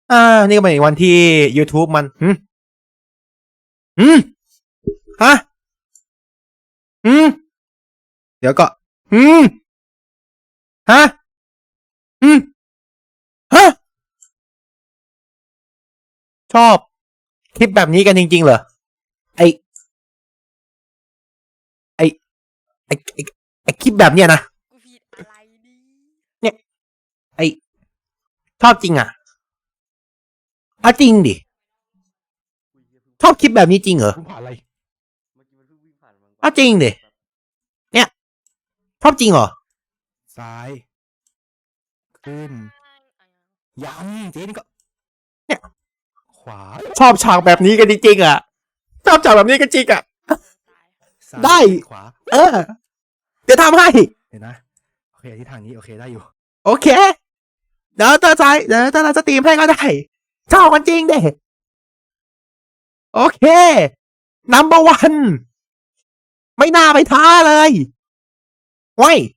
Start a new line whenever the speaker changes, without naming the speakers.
นี่ก็เป็นอีกวันที่ YouTube มันฮะเดี๋ยวก็ฮะฮะชอบคลิปแบบนี้กันจริงๆเหรอไอไอไอคลิปแบบเนี้ยนะ
กูผิดอะไรดี
เนี่ยไอชอบจริงอ่ะเอาจริงดิชอบคลิปแบบนี้จริงเหรอ
ผ่านอะไร
เอาจริงดิเนี่ยชอบจริงเหรอ
ซ้ายขึ้นยังเจ๊นี่ก็
เนี่ย
ขวา
ชอบฉากแบบนี้กันจริงๆอ่ะชอบฉากแบบนี้กันจริงอ่ะได้
ขวา
เดี๋ยวทำให้
เห็นนะโอเคที่ทางนี้โอเคได้อยู่
โอเคเดี๋ยวเราสตรีมให้ก็ได้ชอบกันจริงเด้โอเคนัมเบอร์วันไม่น่าไปท้าเลยไว้